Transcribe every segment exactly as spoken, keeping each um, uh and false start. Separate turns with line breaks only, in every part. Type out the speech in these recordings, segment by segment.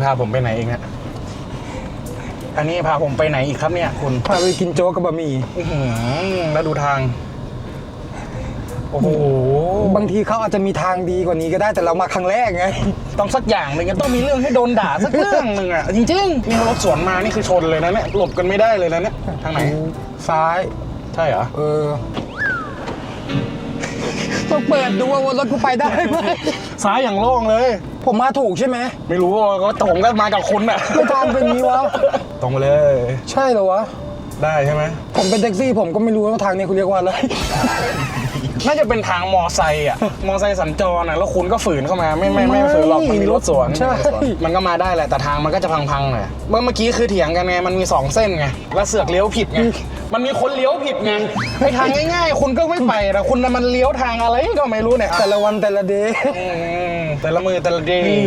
พาผมไปไหนเองเนี่ยอันนี้พาผมไปไหนอีกครับเนี่ยคุณ
พาไปกินโจ๊กกับบะหมี่
แล้วดูทางโอ้โห
บางทีเขาอาจจะมีทางดีกว่านี้ก็ได้แต่เรามาครั้งแรกไง
ต้องสักอย่างหนึ่งต้องมีเรื่องให้โดนด่าสักเรื่องหนึ่งอ่ะจริงๆนี่รถสวนมานี่คือชนเลยนะเนี่ยหลบกันไม่ได้เลยนะเนี่ยทางไหน
ซ้าย
ใช่เหรอ
เออต้องเปิดดูว่ารถกูไปได้ไหม
ซ้ายอย่างโล่งเลย
ผมมาถูกใช่ไหม
ไม่รู้ก็ตรงก็มากับคุณอ่ะ
ไม่ทางเป็นนี้วะ
ตรงไปเลย
ใช่เหรอวะ
ได้ใช่ไหม
ผมเป็นแท็กซี่ผมก็ไม่รู้ว่าทางนี้คุณเรียกว่าอะไร
น่าจะเป็นทางมอไซค์อ่ะมอไซค์สัญจรอ่ะแล้วคุณก็ฝืนเข้ามาไม่ไม่ไม่ฝืนหรอกมันมีรถสวน
ใช่
มันก็มาได้แหละแต่ทางมันก็จะพังๆหน่อยเมื่อเมื่อกี้คือเถียงกันไงมันมีสองเส้นไงแล้วเสือกเลี้ยวผิดไงมันมีคนเลี้ยวผิดไงไอ้ทางง่ายๆคุณก็ไม่ไปแต่คุณมันเลี้ยวทางอะไรก็ไม่รู้เนี่ย
แต่ละวันแต่ละเดย์
แต่ละมือแต่ละเดย์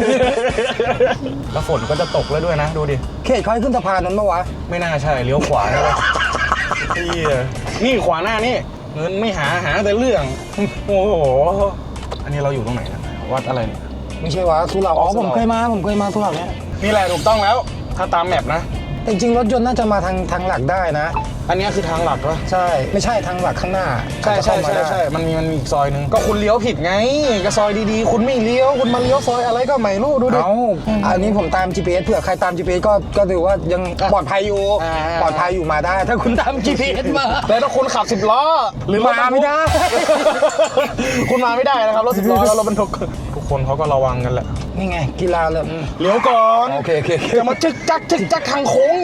แล้วฝนก็จะตกแล้วด้วยนะดูดิ
เขตเขาให้ขึ้นสะพานนั้นปะวะ
ไม่น่าใช่เลี้ยวขวาใช่ปะนี่ขวาหน้านี่เงินไม่หาหาแต่เรื่องโอ้โหอันนี้เราอยู่ตรงไหนนะวัดอะไรเนี่ย
ไม่ใช่วะสุเหร่าอ๋อผมเคยมาผมเคยมาสุเหร่าเนี้ย
นี่แหละถูกต้องแล้วถ้าตามแมพนะ
จริงๆรถยนต์น่าจะมาทางทางหลักได้นะ
อันนี้คือทางหลักวะ
ใช่ไม่ใช่ทางหลักข้างหน้า
ใช่ใช่ใช่ใช่มันมีมันมีอีกซอยนึงก็คุณเลี้ยวผิดไงก็ซอยดีๆคุณไม่เลี้ยวคุณมาเลี้ยวซอยอะไรก็ไม่รู้ดูดิ
เอาอันนี้ผมตาม จี พี เอส เผื่อใครตาม จี พี เอส ก็ก็ถือว่ายังปลอดภัยอยู่ปลอดภัยอยู่มาได้ถ้าคุณตาม จี พี เอส มา
แต่ถ้าคุณขับสิบล้อ
หรือมาไม่ได้
คุณมาไม่ได้นะครับรถสิบล้อแล้วรถบรรทุกทุกคนเขาก็ระวังกันแหละ
นี่ไงกีฬาเลย
เลี้ยวก่อน
โอเคโอเค
จะมาจึกจักจึกจักทางโค้ง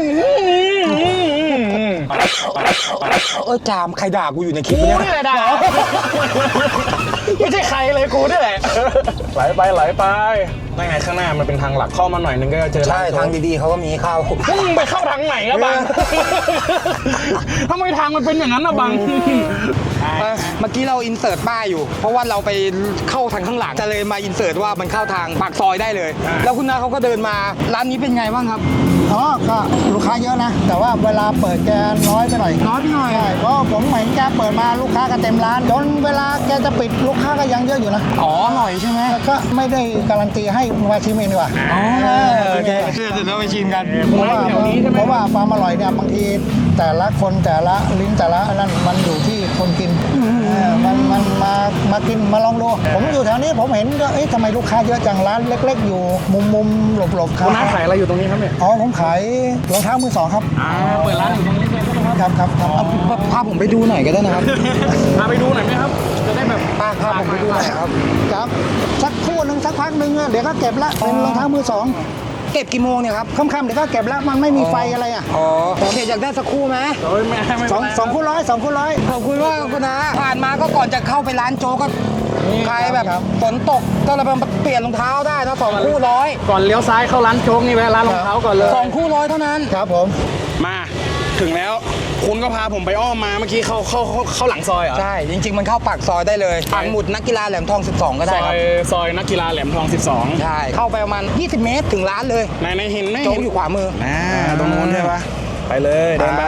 เออจามใครด่ากูอยู่ในคลิปนี้
กูนี่แหละด่าไม่ใช่ใครเลยกูนี่แหละไหลไปไหลไปได้ไงข้างหน้ามันเป็นทางหลักเข้ามาหน่อยนึงก็เจอ
ใช่ทางดีๆเขาก็มีเข้า
มึงไปเข้าทางไหนอะบังทำไมทางมันเป็นอย่างนั้นอะบัง
เมื่อกี้เราอินเสิร์ตป้ายอยู่เพราะว่าเราไปเข้าทางข้างหลังจะเลยมาอินเสิร์ตว่ามันเข้าทางปากซอยได้เลยแล้วคุณน้าเขาก็เดินมาร้านนี้เป็นไงบ้างครับ
อ๋อก็ลูกค้าเยอะนะแต่ว่าเวลาเปิดแกน้อยไปหน่อย
น้อยไปหน่อย
ใช่เพราะผมเห็นแกเปิดมาลูกค้าก็เต็มร้านจนเวลาแกจะปิดลูกค้าก็ยังเยอะอยู่นะ
อ๋ออร่อยใช่ไหม
ก็ไม่ได้การันตีให้มาชิมเองดีกว่า
อ๋อโอเคเดี๋ยวเราไปชิมกัน
เพราะว่าเพราะว่าความอร่อยเนี่ยบางทีแต่ละคนแต่ละลิ้นแต่ละนั่นมันอยู่ที่คนกินมันมันมามากินมาลองดูผมอยู่แถวนี้ผมเห็นก็เอ๊ะทำไมลูกค้าเยอะจังร้านเล็กๆอยู่มุมมุมหลบๆครับ
คุณน้าขายอะไรอยู่ตรงนี้ครับเนี่ย
อ๋อผมขายรองเท้ามือสองครับ
อ่าเปิดร้านอยู่ตรงนี้เลย
ครับครับครับ
พาผมไปดูหน่อยก็ได้นะครับ
พาไปดูหน่อยไหมครับจะได้แบบ
พาพาผมไปดูหน่อยครับ
ครับสักครู่หนึ่งสักพักหนึ่งเดี๋ยวก็เก็บละเป็นรองเท้ามือสอง
เก็บกี่โมงเนี่ยครับ
ค่ำๆเดี๋ยวก็เก็บแล้วมันไม่มีไฟอะไรอ่ะ
อ๋อโอเคอยากได้สักคู่ไหม
สองสองคู่ร้อยสองคู่ร้อย
ขอบคุณมากคุณนะผ่านมาก็ก่อนจะเข้าไปร้านโจ๊กก็ใครแบบฝนตกก็เลยมาเปลี่ยนรองเท้าได้นะสองคู่ร้อย
ก่อนเลี้ยวซ้ายเข้าร้านโจ๊กนี่แวะร้านรองเท้าก่อนเลย
สองคู่ร้อยเท่านั้น
ครับผม
มาถึงแล้วคุณก็พาผมไปอ้อมมาเมื่อกี้เข้าเข้าเข้าหลังซอยเหรอ
ใช่จริงๆมันเข้าปากซอยได้เลยปักหมุดนักกีฬาแหลมทองสิบสองก็ได้ครับ
ซอยนักกีฬาแหลมทองสิบสอง
ใช่เข้าไปประมาณยี่สิบเมตรถึงร้านเลย
ในในเห็นไหม
โจ๊กอยู่ขวามือ
อ่าตรงนู้นใช่ปะไปเลยเดินไป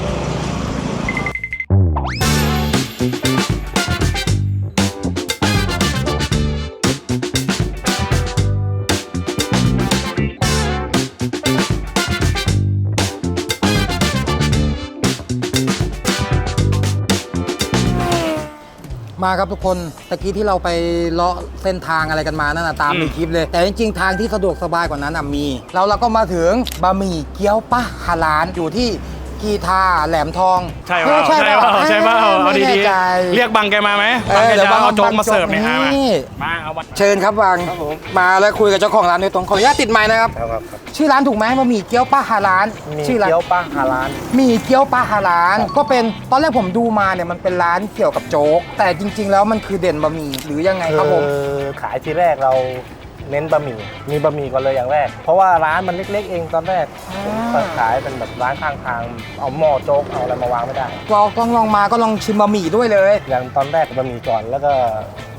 มาครับทุกคนตะกี้ที่เราไปเลาะเส้นทางอะไรกันมานั่นนะตามในคลิปเลยแต่จริงๆทางที่สะดวกสบายกว่านั้นมีแล้วเราก็มาถึงบะหมี่เกี๊ยวป้าฮาลานอยู่ที่กีทาแหลมทอง
ใช่ป่ะใช่ป่ะใช่ป่ะเอาดีๆเรียกบังแกมาไหมบังแกจะเอาโจ๊กมาเสิร์ฟเนี่ยฮะมาเอา
เชิญครับบังมาแล้วคุยกับเจ้าของร้านโดยตรงขออนุญาตติดไมค์นะครับชื่อร้านถูกไหมบะหมี่เกี๊ยวป้าฮาลาน
ชื่อร้านเกี๊ยวป้าฮาลาน
หมี่เกี๊ยวป้าฮาลานก็เป็นตอนแรกผมดูมาเนี่ยมันเป็นร้านเกี่ยวกับโจ๊กแต่จริงๆแล้วมันคือเด่นบะหมี่หรือยังไงครับผม
ขายทีแรกเราเน้นบะหมี่มีบะหมี่ก่อนเลยอย่างแรกเพราะว่าร้านมันเล็กๆเองตอนแรกขายเป็นแบบร้านข้างทางเอาหม้อโจ๊กเอาอะไรมาวางไม่ได้
เราต้องลองมาก็ลองชิมบะหมี่ด้วยเลย
อย่างตอนแรกบะหมี่ก่อนแล้วก็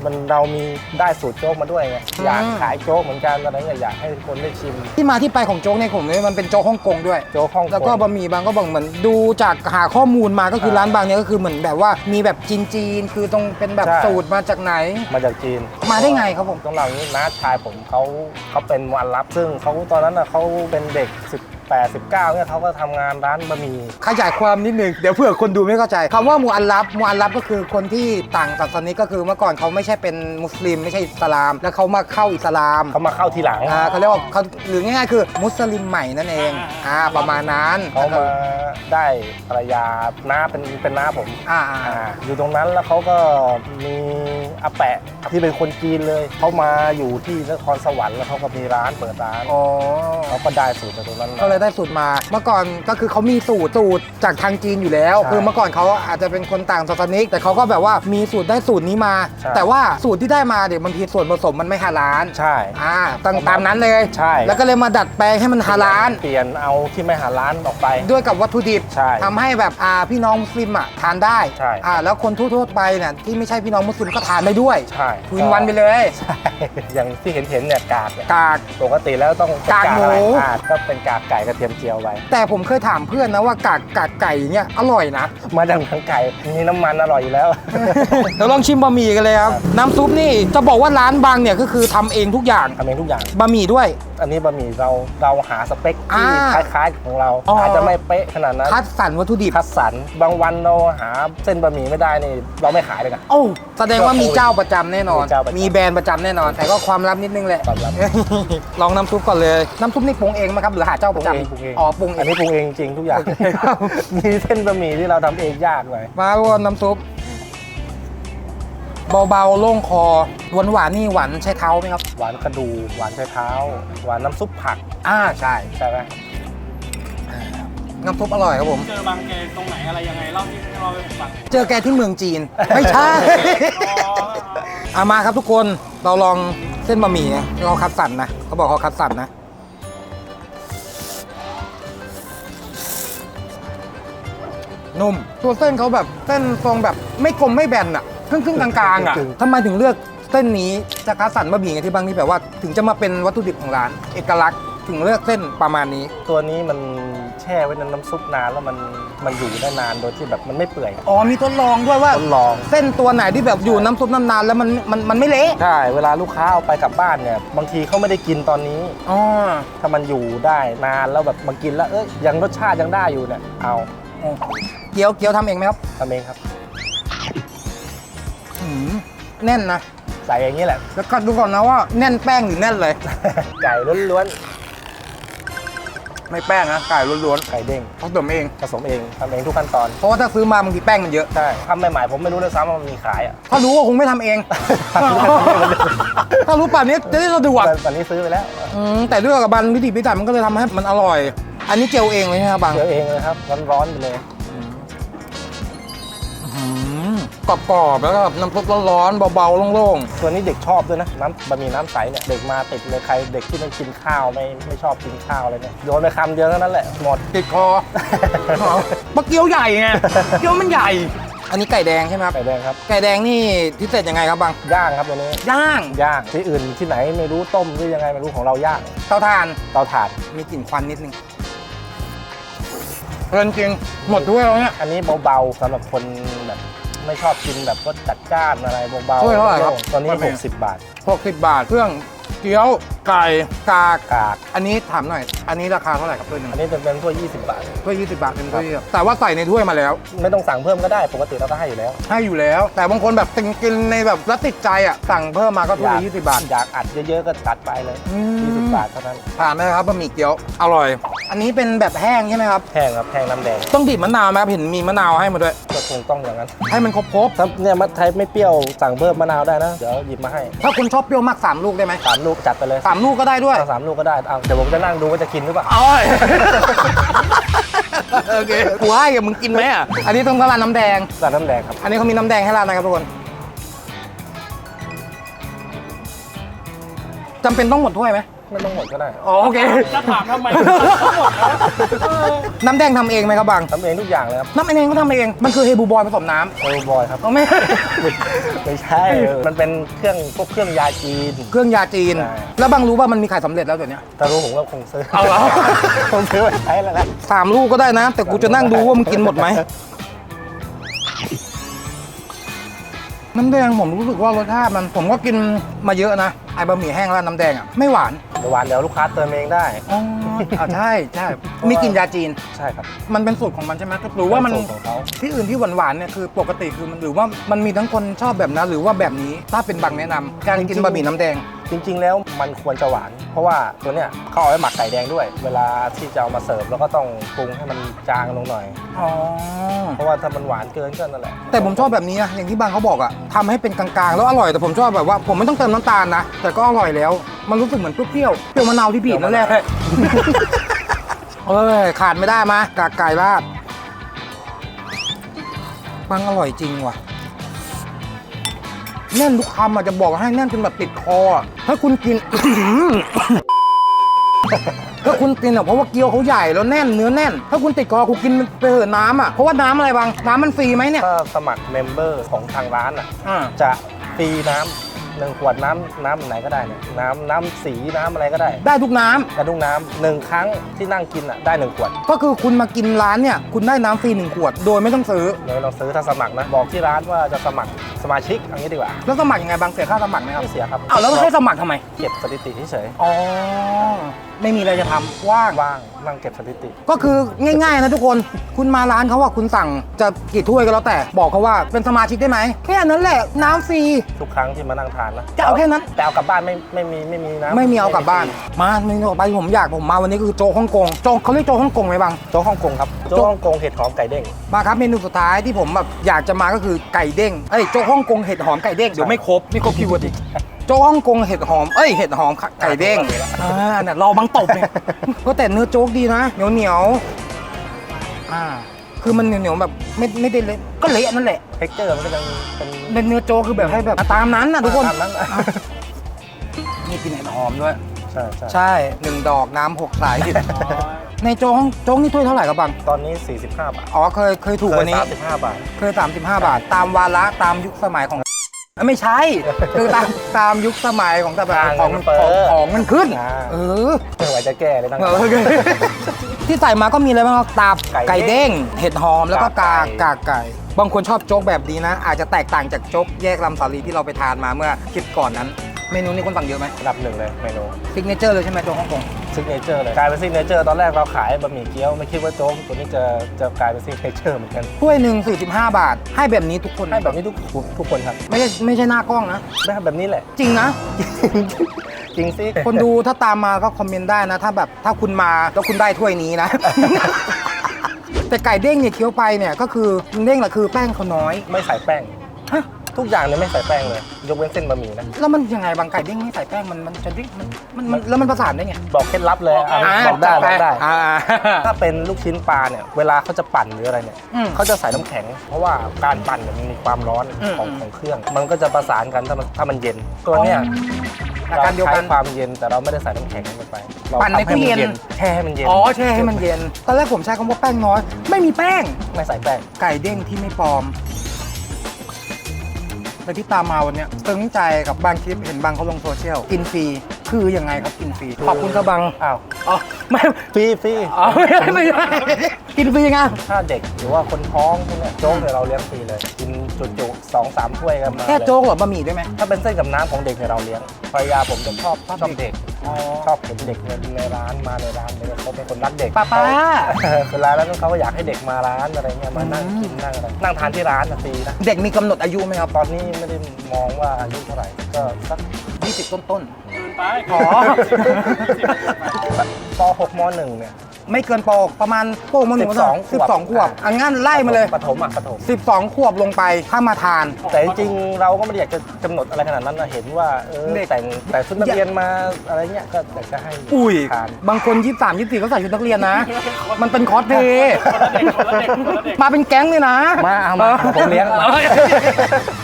มันเรามีได้สูตรโจ๊กมาด้วยไง
อืม
อยากขายโจ๊กเหมือนกันตอนนั้นอยากให้คนได้ชิม
ที่มาที่ไปของโจ๊กในผมเนี่ยมันเป็นโจ๊กฮ่องกงด้วย
โจ๊กฮ่องกง
แล้วก็บะหมี่บางก็บอกเหมือนดูจากหาข้อมูลมาก็คือร้านบางเนี่ยก็คือเหมือนแบบว่ามีแบบจีนจีนๆคือตรงเป็นแบบ
ใช่
สูตรมาจากไหน
มาจากจีน
มาได้ไงครับผม
ต้องเล่าอย่างนี้น้าชายผมเขาเขาเป็นวันรับ ซึ่งเขาตอนนั้นน่ะเขาเป็นเด็กสิบแปด สิบเก้าเนี่ยเขาก็ทำงานร้านบะหมี่
ขยายความนิดนึงเดี๋ยวเผื่อคนดูไม่เข้าใจคำว่ามูอัลลับมูอัลลับก็คือคนที่ต่างศาสนาก็คือเมื่อก่อนเขาไม่ใช่เป็นมุสลิมไม่ใช่อิสลาม แล้วเขามาเข้าอิสลาม
เขามาเข้าทีหลัง
อ่าเขาเรียกว่าเขาหรือง่ายๆคือมุสลิมใหม่นั่นเองอ่าประมาณนั้น
เขามาได้ภรรยาน้าเป็นเป็นน้าผม
อ่า
อ่าอยู่ตรงนั้นแล้วเขาก็มีอาแปะที่เป็นคนจีนเลยเขามาอยู่ที่นครสวรรค์แล้วเขาก็มีร้านเปิดร้าน
อ๋อ
เขาก็ได้สูตรจากตรงนั้นมา
ก็เลยได้สูตรมา เมื่อก่อนก็คือเขามีสูตรสูตรจากทางจีนอยู่แล้ว
ใช่
คือเมื่อก่อนเขาอาจจะเป็นคนต่างศาสนิกแต่เขาก็แบบว่ามีสูตรได้สูตรนี้มา
ใช่
แต่ว่าสูตรที่ได้มาเดี๋ยวบางทีส่วนผสมมันไม่ฮาลาล
ใช่
อ่าตามตามนั้นเลย
ใช่
แล้วก็เลยมาดัดแปลงให้มันฮาลาล
เปลี่ยนเอาที่ไม่หาร้านออกไป
ด้วยกับวัตถุดิบ
ใช่
ทำให้แบบอ่าพี่น้องมุสลิมอ่ะทานได้
ใช่
อ่าแล้วคนทั่วๆไปเนี่ยที่ไม่ใช่พี่น้องมุสลิมก็ทานได้ด้วย
ใช่
ทวินวันไปเลย
ใช่อย่างที่เห็นเห็นๆเนี่ยกากเนี่ย
กาก
ปกติแล้วต้องเป็น
กากหมู
อะไรอ่าก็เป็นกากไก่กระเทียมเจียวไว้
แต่ผมเคยถามเพื่อนนะว่ากากกากไก่เนี่ยอร่อยนะ
มาจากหนังไก่มีน้ำมันอร่อยอยู่แล้ว
เดี๋ยวลองชิมบะหมี่กันเลยครับ น้ำซุปนี่จะบอกว่าร้านบางเนี่ยก็คือทำเองทุกอย่าง
ทำเองทุกอย่าง
บะหมี่ด้วย
อันนี้บะหมี่เราเราหาสเปคที่
อ่า
คล้ายๆของเรา
อ๋ออ
อาจจะไม่เป๊ะขนาดนั้น
คัดสรรวัตถุดิบ
คัดสรรบางวันเราหาเส้นบะหมี่ไม่ได้นี่เราไม่ขายเลยนะ
โอ้แสดงว่ามีเจ้าประจำแน่นอน
มีเจ้าประจำ
มีแบรนด์ประจำแน่นอน แต่ก็ความลับนิดนึงแหละ
ความลับ
ลองน้ำซุปก่อนเลย น้ำซุปนี่ปรุงเองไหมครับหรือหาเจ้าประจำ
ปรุงเอง
อ๋อปรุงเอ
อัน
ง
นี้ปรุงเองจริงทุกอย่าง
โอเคครับ
มีเส้นบะหมี่ที่เราทำเองยากหน่อย
มาว่าน้ำซุปเบาๆโล่งคอหวานหวานๆนี่หวานใช้เท้าไหมครับ
หวานกระดูหวานไชเท้า หวานน้ำซุปผัก
อ่าใช่
ใช่ไหม
น้ำซุปอร่อยครับผม
เจอบางแกตรงไหนอะไรยังไงเล่าที่ให้เราไปผมฟัง
เจอแกที่เมืองจีน ไม่ใช่ อามาครับทุกคนเราลองเส้นบะหมี่นะเราคัดสรรนะเขาบอกเขาคัดสรรนะนุ่มตัวเส้นเขาแบบเส้นทรงแบบไม่กลมไม่แบนอะครึ่งครึ่งๆกลางๆอะทำไมถึงเลือกเส้นนี้จะคัดสรรบะหมี่ไงที่บางที่แบบว่าถึงจะมาเป็นวัตถุดิบของร้าน เอกลักษณ์ถึงเลือกเส้นประมาณนี้
ตัวนี้มันแช่ไว้ในน้ำซุปนานแล้วมันมันอยู่ได้นานโดยที่แบบมันไม่เปื่อย
อ๋อมีทดลองด้วยว่า
ทดลอง
เส้นตัวไหนที่แบบอยู่น้ำซุปนานๆแล้วมันมันมันไม่เละ
ใช่ เวลาลูกค้าเอาไปกลับบ้านเนี่ย บางทีเขาไม่ได้กินตอนนี้
อ๋อ
ถ้ามันอยู่ได้นานแล้วแบบมากินแล้ว เอ้ยยังรสชาติยังได้อยู่เนี่ย เอา
เกี๊ยวเกี๊ยวทำเองไหมครับ
ทำเองครับ
หืมแน่นนะ
ใส่อย่างนี้แหละ
แล้วก็ดูก่อนนะว่าแน่นแป้งหรือแน่นเลย
ไก่ล้วน
ไม่แป้งนะไก่ล้วน
ๆ ไก่เด้ง
ๆเขาตุ๋นเอง
ผสมเองทำเองทุกขั้นตอน
เพราะว่าถ้าซื้อมาบางทีแป้งมันเยอะ
ใช่ทำใหม่ๆผมไม่รู้ด้วยซ้ำว่ามันมีขายอ่ะ
ถ้ารู้ก็คงไม่ทำเอง ถ้ารู้ป่านนี้จะได้สะดวก
ตอนนี้ซื้อไปแล้ว
อืมแต่ด้วยกับบันพิถีพิถันมันก็เลยทำให้มันอร่อย อันนี้เจลเองเลยใช่ไหมครับบาง
เจอเองเลยครับร้อนๆไปเลย
กรอบๆแล้วก็น้ำซุปร้อนๆเบาๆโล่ง
ตัวนี้เด็กชอบด้วยนะน้ำบะหมี่น้ำใสเนี่ยเด็กมาติดเลยใครเด็กที่ไม่กินข้าวไม่ไม่ชอบกินข้าวอะไรเนี่ยโยนไปคำเดียวเท่านั้นแหละหมด
ๆติดคอปลาเกี๊ยวใหญ่ไงเกี๊ยวมันใหญ่ อันนี้ไก่แดงใช่ไหมครับ
ไก่แดงครับ
ไก่แดงนี่พิเศษยังไงครับบาง
ย่างครับตัวนี้
ย่าง
ย่างที่อื่นที่ไหนไม่รู้ต้มหรือยังไงไม่รู้ของเราย่าง
เตาถ่าน
เตาถ่าน
มีกลิ่นควันนิดนึงเพลินจริงหมดด้วยแล้วเนี่ย
อันนี้เบาๆสำหรับคนแบบไม่ชอบกินแบบรสจัดจ้านอะไรเบาๆ
ถ้วยเท่าไหร่ครับ
ตอนนี้
บะหมี่
หกสิบบาท
หกสิบบาทเครื่องเกี๊ยวไก่กาก
กาก
อันนี้ถามหน่อย อันนี้ราคาเท่าไหร่ครับถ้วยหนึง
อันนี้จะเป็นถ้วยยี่สิบบาท
ถ้วยยี่สิบบาทเป็นถ้วยเดียวแต่ว่าใส่ในถ้วยมาแล้ว
ไม่ต้องสั่งเพิ่มก็ได้ปกติเราก็ให้อยู่แล้ว
ให้อยู่แล้ว แต่บางคนแบบกินในแบบแล้วติดใจอ่ะสั่งเพิ่มมาก็ถ้วยละยี่สิบบาท
อยากอัดเยอะๆก็จัดไปเลย
อืม
ยี่สิบบาทเท่านั้น
ผ่านไหมครับบะหมี่เกี๊ยวอร่อย อันนี้เป็นแบบแห้งใช่ไหมครับ
แห้งครับแห้งน้ำแดง
ต้องบีบมะนาวไหมครับเห็นมีมะนาวให้มาด้วย
ก็คงต้องอย่างนั้น
ให้มันครบครบ
ถ้าเนี่ยมัดไทยไม่เปรี้ยวสั่งเพิ่มมะนาวได้นะ เดี๋ยวหยิบมาให้
ๆถ้าคุณชอบเปรี้ยวมากสามลูกได้ไหม
สามลูกจัดไปเลย
สามลูกก็ได้ด้วย
เอาสามลูกก็ได้เอาเดี๋ยวผมจะนั่งดูว่าจะกินหรือเปล่า
อร่อย โอเคกูให้กับมึงกินไหมอ่ะอันนี้ต้องราดน้ำแดง
ราดน้ำแดงครับ
อันนี้เขามีน้ำแดงให้ราดนะครับทุกคนจำเป็นต้องหมดถ้วยไหม
ไไม่ต้องหมดก็ได้
อ๋อโอเค
จะถามทำไมทั้งหมดนะเออ
น้ำแดงทำเองไหมครับบัง
ทำเองทุกอย่างเลยครับ
น้ำเองก็ทำเองมันคือเฮบูบอยผสมน้ำ
โอ้บอยครับ
เอาไม่
ไม่ใช่มันเป็นเครื่องพวกเครื่องยาจีน
เครื่องยาจีน
ใช่
แล้วบังรู้ว่ามันมีขายสำเร็จแล้วเดี๋ยวนี้
แต่รู้ผมก็คงซื้อ
เอาเหรอ
คงซื้อไว้ใช้แล้วแหละ
สามลูกก็ได้นะ แต่กูจะนั่งดูว่ามึงกินหมดไหมน้ำแดงผมรู้สึกว่ารสชาติมันผมก็กินมาเยอะนะไอ้บะหมี่แห้งร้านน้ำแดงอ่ะไม่หวาน
หวานเดี๋ยวลูกค้าเติมเองได้
อ๋ออ่ะใช่ใช่มีกลิ่นยาจีน
ใช่ครับ
มันเป็นสูตรของมันใช่ไหมหรือว่ามัน
เป็นสูตรของเขา
ที่อื่นที่หวานๆเนี่ยคือปกติคือมันหรือว่ามันมีทั้งคนชอบแบบนั้นหรือว่าแบบนี้ถ้าเป็นบางแนะนำการกินบะหมี่น้ำแดง
จริง ๆ แล้วมันควรจะหวาน เพราะว่าตัวเนี้ยเขาเอาไว้หมักไก่แดงด้วย เวลาที่จะเอามาเสิร์ฟแล้วก็ต้องปรุงให้มันจางลงหน่อย
อ๋อ
เพราะว่าถ้ามันหวานเกินก็นั่นแหละ
แต่ผมชอบแบบนี้นะอย่างที่บางเขาบอกอะทำให้เป็นกลางๆ แล้วอร่อยแต่ผมชอบแบบว่าผมไม่ต้องเติมน้ำตาลนะแต่ก็อร่อยแล้ว มันรู้สึกเหมือนเปรี้ยวๆเปรี้ยวมะนาวที่บีบนั่นแหละเอ้ยขาดไม่ได้มากากไก่ราดบางอร่อยจริงว่ะแน่นทุกคำอะจะบอกให้แน่นจนแบบติดคออะถ้าคุณกิน ถ้าคุณกินอ่ะเพราะว่าเกี๊ยวเขาใหญ่แล้วแน่นเนื้อแน่น ถ้าคุณติดคอคุณกินไปเถอะน้ำอ่ะเพราะว่าน้ำอะไรบางน้ำมันฟรีไหมเนี่ย
ถ้าสมัครเมมเบอร์ของทางร้านอ่ะ
อ่า
จะฟรีน้ำหนึ่งขวดน้ำน้ำไหนก็ได้เนี่ยน้ำน้ำสีน้ำอะไรก็ได้
ได้ทุกน้ำ
กระดุงน้ำหนึ่งครั้งที่นั่งกินอ่ะได้หนึ่งขวด
ก็คือคุณมากินร้านเนี่ยคุณได้น้ำฟรีหนึ่งขวด โดยไม่ต้องซื้อ
เลยเราซื้อถ้าสมัครนะ บอกที่ร้านว่าจะสมัครสมาชิกอย่างนี้ดีกว่า
แล้วสมัครยังไงบางเสียค่าสมัครไหมครับ
ไม่เสียครับ
อ้าวแล้วให้สมัครทำไม
เก็บสถิติเฉย
อ๋อไม่มีอะไรจะทำว่าง
ๆว่างนั่งเก็บสถิติ
ก็คือง่ายๆนะทุกคนคุณมาร้านเขาว่าคุณสั่งจะกี่ถ้วยก็แล้วแต่บอกเขาว่าเป็นสมาชิกได้ไหมแค่นั้นแหละน้ำฟรี
ทุกครั้งที่มานั่งทานนะ
จะเอาแค่นั้น
แต่เอากลับบ้านไม่ไม่มีไม่มีนะ
ไม่มีเอากลับบ้าน มาเมนูต่อไปที่ผมอยากผมมาวันนี้คือโจ๊กฮ่องกงโจ๊กเขาเรียกโจ๊กฮ่องกงไหมบาง
โจ๊กฮ่องกงครับโจ๊กฮ่องกงเห็ดหอมไก่เด้ง
มาครับเมนูสุดท้ายที่ผมแบบอยากจะมาก็คือไก่เด้งเอ้ยโจ๊กฮ่องกงเห็ดหอมไก่เด้งเดี๋ยวไม่ครบไม่ครบคีย์เวิร์ดอีกโจ๊กฮ่องกงเห็ดหอมเอ้ยเห็ดหอมไก่เด้งอ่าเนี่ยรอบังตบเนี่ยก็แต่เนื้อโจ๊กดีนะเหนียวเหนียวๆอ่าคือมันเหนียวเหนียวๆแบบไม่ไม่ได้เละก็เละนั่นแหละ
เท็กเจอร์มันก็ยังเป็น
เป็นเนื้อโจ๊กคือแบบให้แบบตามนั้นนะทุกคน
ตามนั้นนะ
นี่กินเห็ดหอมด้วย
ใช่ใช่
ใช่หนึ่งดอกน้ำหกสายในโจ๊กฮ่องโจ๊กนี่ถ้วยเท่าไหร่ครับบัง
ตอนนี้สี่สิบห้าบาท
อ๋อเคยเคยถูกกว่านี้
สามสิบห้าบาท
เคย สามสิบห้า บาท ตามวาระตามยุคสมัยของ ไม่ใช่ คือตามตามยุคสมัยของแต่แบบของของของมันขึ้น เออ
ไม่ไหวจะแก้เลยตั้ง
เออที่ใส่มาก็มีอะไรบ้างครับตับ
ไก่
ไก่เด้ง เห็ดหอมแล้วก็กาก
าก
กากไก่ บางคนชอบโจ๊กแบบนี้นะ อาจจะแตกต่างจากโจ๊กแยกลำสาลีที่เราไปทานมาเมื่อคลิปก่อนนั้น เมนูนี้คนสั่งเยอะไหม
ระดับหนึ่งเลยเมนู
ซิกเนเจอร์เลยใช่ไหมโจ๊กฮ่องกง
ซิกเนเจอร์เลยกลายเป็นซิกเนเจอร์ตอนแรกเราขายบะหมี่เกี๊ยวไม่คิดว่าโจ๊กตัวนี้จะจะกลายเป็นซิกเนเจอร์เหมือนกัน
ถ้วยหนึ่งสี่สิบห้า บาท ให้แบบนี้ทุกคน
ให้แบบนี้ทุกทุกคนครับ
ไม่ใช่ไม่ใช่หน้ากล้องนะ
ได้แบบนี้แหละ
จริงนะ
จริงสิ
คนดูถ้าตามมาก็คอมเมนต์ได้นะ ถ้าแบบถ้าคุณมาแล้วคุณได้ถ้วยนี้นะ แต่ไก่เด้งเนี่ยเคี้ยวไปเนี่ยก็คือเด้งแหละคือแป้งเขาน้อย
ไม่ใส่แป้ง
ฮะ
ทุกอย่างเนี่ยไม่ใส่แป้งเลย ยกเว้นเส้นบะหมี่นะ
แล้วมันยังไงบางไก่เด้งไม่ใส่แป้งมันมันจะดิ้งมันมันมันแล้วมันประสานได้ไง
บอกเคล็ดลับเลยอ่ะ
า
บอกได้บอกได้
อ่า
ถ้าเป็นลูกชิ้นปลาเนี่ยเวลาเขาจะปั่นหรืออะไรเนี่ย
อืม
เขาจะใส่น้ำแข็ง เพราะว่าการปั่นเนี่ยมันมีความร้อน
อืม
ของของเครื่อง มันก็จะประสานกันถ้ามันถ้ามันเย็น ตัวเนี้ย
อาการเดียวกัน
ใช้ความเย็นแต่เราไม่ได้ใส่น้ำแข็งลงไปเรา
ปั่นใน
ทำให้มั
ตู้เย็น
แช่ให้มันเย็น
อ๋อแช่ให้มันเย็นตอนแรกผมใช้คำว่าแป้งน้อย ไม่มีแป้ง
ไม่ใส่แป้ง
ไก่เด้งที่ไม่ปลอมแต่ที่ตามมาวันเนี้ยตึงใจกับบางคลิปเห็นบางเขาลงโซเชียลกินฟรีคือยังไงครับกินฟรีขอบคุณครับบาง
อ้าว
อ๋อไม่
ฟรีฟรี
อ๋อไม่ใช่ไม่ใช่กินฟรียังไง
ถ้าเด็กหรือว่าคนท้องพวกเนี้ยโจ๊กเนี่ยเราเลี้ยงฟรีเลย กินจุๆสองสามถ้วยกันมา
แค่
เลย
โจ๊กหรือบะหมี่ด้วยไหม
ถ้าเป็นเส้นกับน้ำของเด็กเนี่ยเราเลี้ยงภรรยาผมจะชอบชอบเด็ก
อ๋อ
ชอบเห็นเด็กในในร้านมาในร้านเลยเขาเป็นคนรักเด็ก
ป้าป้า
เวลาแล้วเขาก็อยากให้เด็กมาร้านอะไรเงี้ยมานั่งกินนั่งอะไรนั่งทานที่ร้านนะฟรีนะ
เด็กมีกำหนดอายุไหมครับ
ตอนนี้ไม่ได้มองว่าอายุเท่าไหร่ก็สัก
ยี่สิบต้นต้น
เกินไป
อ๋อ
ป หกม หนึ่งเนี่ย
ๆไม่เกินปกประมาณโป้งมาหนึ่ง
สิบสอง
สิบสองขวบอันงั้นไล่มาเลย
ปฐมอ่ะปฐม
สิบสองขวบลงไปถ้ามาทาน
แต่จริงๆเราก็ไม่ได้อยากจะกำหนดอะไรขนาดนั้นนะเห็นว่าเออ
เด็ก
แต่งแต่ชุดนักเรียนมาอะไรเงี้ยก็อยากจะให้
อุ้ย
ทาน
บางคนยี่สิบสามยี่สิบสี่เขาใส่ชุดนักเรียนนะ มันเป็นคอสเพลย์
คนละเด็กคนละเด็กคนละเด็ก
มาเป็นแก๊งเลยนะ
มาเอามาผมเลี้ยง
ด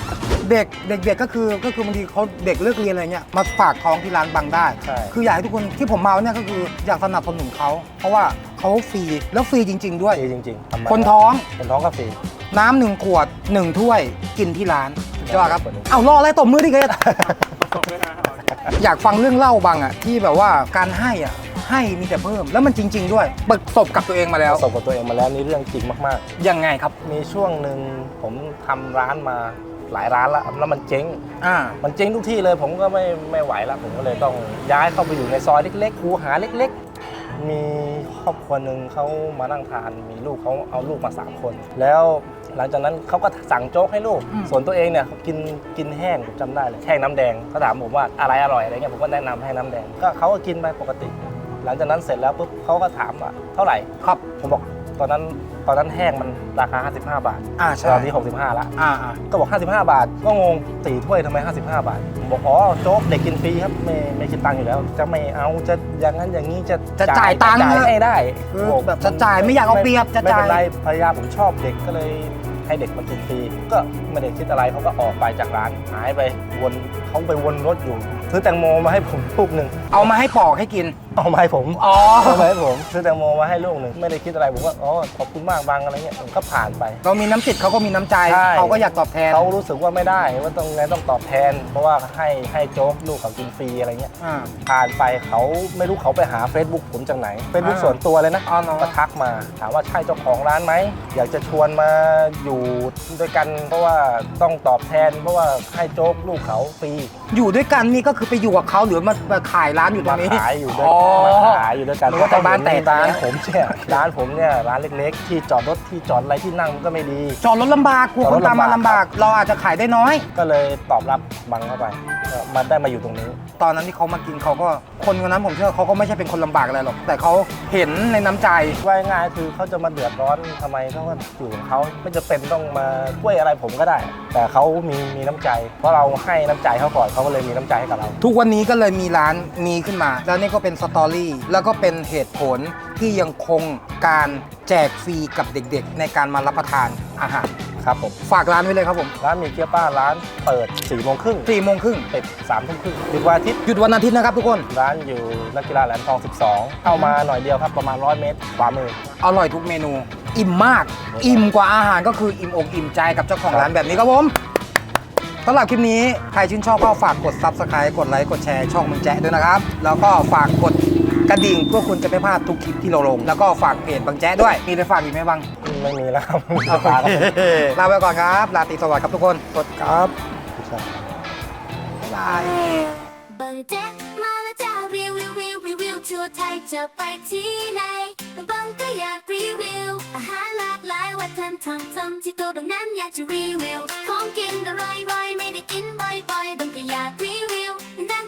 เด็กๆ เด็กๆก็คือก็คือบางทีเขาเด็กเลิกเรียนอะไรเงี้ยมาฝากท้องที่ร้านบังได้
ใช่
คืออยากให้ทุกคนที่ผมมาเนี่ยก็คืออยากสนับสนุนเขาเพราะว่าเขาฟรีแล้วฟรีจริง ๆ ด้วย
ฟรีจริงๆทำมา
คนท้อง
คนท้องก็ฟรี
น้ำหนึ่งขวดหนึ่งถ้วยกินที่ร้านยอดครับ
ขวดหนึ่ง
เอารออะไรตบมือดิเกด
ตกด้วยนะ
อยากฟังเรื่องเล่าบางอ่ะที่แบบว่าการให้อ่ะให้มีแต่เพิ่มแล้วมันจริง ๆ ด้วยประสบกับตัวเองมาแล้ว
ประสบกับตัวเองมาแล้วนี่เรื่องจริงมาก
ยังไงครับ
ๆ มีช่วงหนึ่งผมทำร้านมาหลายร้านแล้วแล้วมันเจ๊ง
อ่า
มันเจ๊งทุกที่เลยผมก็ไม่ไม่ไหวแล้วผมก็เลยต้องย้ายเข้าไปอยู่ในซอยเล็กๆคูหาเล็กๆ มีครอบครัวหนึ่งเขามานั่งทานมีลูกเขาเอาลูกมาสามคน แล้วหลังจากนั้นเขาก็สั่งโจ๊กให้ลูก
อืม
ส่วนตัวเองเนี่ยเขากินกินแห้งผมจำได้เลยแห้งน้ำแดงเขาถามผมว่าอะไรอร่อยอะไรเงี้ยผมก็แนะนำให้น้ำแดงก็เขาก็กินไปปกติ หลังจากนั้นเสร็จแล้วปุ๊บเขาก็ถามว่าเท่าไหร่
ครับ
ผมบอกตอนนั้นตอนนั้นแห้งมันราคาห้าสิบห้าบาท
อ่าใช่
ตอนนี้หกสิบห้าละ
อ่าอ่า
ก็บอกห้าสิบห้าบาท ก็งงสี่ถ้วยทำไมห้าสิบห้าบาทผมบอกอ๋อโจ๊กเด็กกินฟรีครับไม่ไม่คิดตังค์อยู่แล้ว จะไม่เอาจะอย่างนั้นอย่างนี้จะ
จะจ่ายตังค์
จ่ายให้ได้
คือ
บอก
แบบจะจ่ายไม่อยากเอาเปรียบจะ
ไม่
จ่า
เป็
ย
นไรภรรยาผมชอบเด็กก็เลยให้เด็กมากินฟรีก็ไม่ได้คิดอะไรเขาก็ออกไปจากร้านหายไปวนเขาไปวนรถอยู่ซื้อแตงโมมาให้ผมลูกหนึ่ง
เอามาให้ปอกให้กิน
เอามาให้ผม
อ๋อ
เอามาให้ผมซื้อแตงโมมาให้ลูกหนึ่งไม่ได้คิดอะไรผมก็อ๋อขอบคุณมากบางอะไรเงี้ยผมก็ผ่านไป
เรามีน้ำจิตเขาก็มีน้ำใจ
ใช่
เขาก็อยากตอบแทน
เขารู้สึกว่าไม่ได้ว่าต้องไงต้องตอบแทน เพราะว่าให้ให้โจ๊กลูกเขากินฟรีอะไรเงี้ย
อ่า
ผ่านไปเขาไม่รู้เขาไปหา Facebook ผมจากไหน Facebook
อ่า
ส่วนตัวเลยนะ
อ๋อเหรอ
ก็ทักมาถามว่าใช่เจ้าของร้านไหมอยากจะชวนมาอยู่ด้วยกัน เพราะว่าต้องตอบแทน เพราะว่าให้โจ๊กลูกเขาฟรี
อยู่ด้วยกันนี่ก็คือไปอยู่กับเขาหรือมามาขายร้านอยู่ตร
มาง
นี้
ขายอยู่ด้วย
อ๋อ
มาขายอยู่ด้วยกัน
นึกว่าแต่บ้านแตก
ร้านผมเนี่ยร้านผมเนี่ยร้านเล็กๆ ที่จอดรถที่จอดอะไรที่นั่งมันก็ไม่ดี
จอดรถลำบากกลัวคนตามมาลำบาก เราอาจจะขายได้น้อย
ก็เลยตอบรับบังเข้าไปก็มาได้มาอยู่ตรงนี้
ตอนนั้นที่เขามากินเขาก็คนคนนั้นผมเชื่อเขาก็ไม่ใช่เป็นคนลำบากอะไรหรอก แต่เขาเห็นในน้ำใจ
ว่าง่ายๆคือเขาจะมาเดือดร้อนทำไมเขาก็อยู่ของเขาไม่จะเป็นต้องมาช่วยอะไรผมก็ได้ แต่เขามีมีน้ำใจ เพราะเราให้น้ำใจเขาก่อนเขาก็เลยมีน้ำใจให้กับเรา
ทุกวันนี้ก็เลยมีร้านมีขึ้นมา แล้วนี่ก็เป็นสตอรี่ แล้วก็เป็นเหตุผลที่ยังคงการแจกฟรีกับเด็กๆ ในการมารับประทานอาหาร
ครับผม
ฝากร้านไว้เลยครับผม
ร้านมีเกี๊ยวป้าร้านเปิด4ี่โมงครึ่ง
สี่โมงครึ่ง
ปิดสามทุ่มครึ่งหยุดวันอาทิตย์
หยุดวันอาทิตย์นะครับทุกคน
ร้านอยู่นักกีฬาแหลมทองสิบสองเข้ามาหน่อยเดียวครับประมาณร้อยเมตรขวามือ
อร่อยทุกเมนู อิ่มมาก อิ่มกว่าอาหารก็คืออิ่มอกอิ่มใจกับเจ้าของร้านแบบนี้ครับผมสำหรับคลิปนี้ใครชื่นชอบก็ฝากกด ซับสไครบ์ กดไลค์ กดแชร์ช่องมึงแจ๊ะด้วยนะครับ แล้วก็ฝากกดกระดิ่งเพื่อคุณจะไม่พลาดทุกคลิปที่เราลง แล้วก็ฝากเพจบังแจ๊ะด้วย มีอะไรฝากอีกไหมบัง
ไม่มีแล้วครับ
ลาไปก่อนครับ ลาตรีสวัสดิ์ครับทุกคนสวัสดีครับ
ครับ
บ๊ายบาย
บังแจ๊กมาแล้วจ้ารีวิวรีวิวรีวิวทั่วไทยจะไปที่ไหนบังก็อยากรีวิวอาหารหลากหลายวัฒนธรรมทำที่ตัวดังนั้นอยากจะรีวิวของกินอร่อยๆไม่ได้กินบ่อยๆบังก็อยากรีวิวได้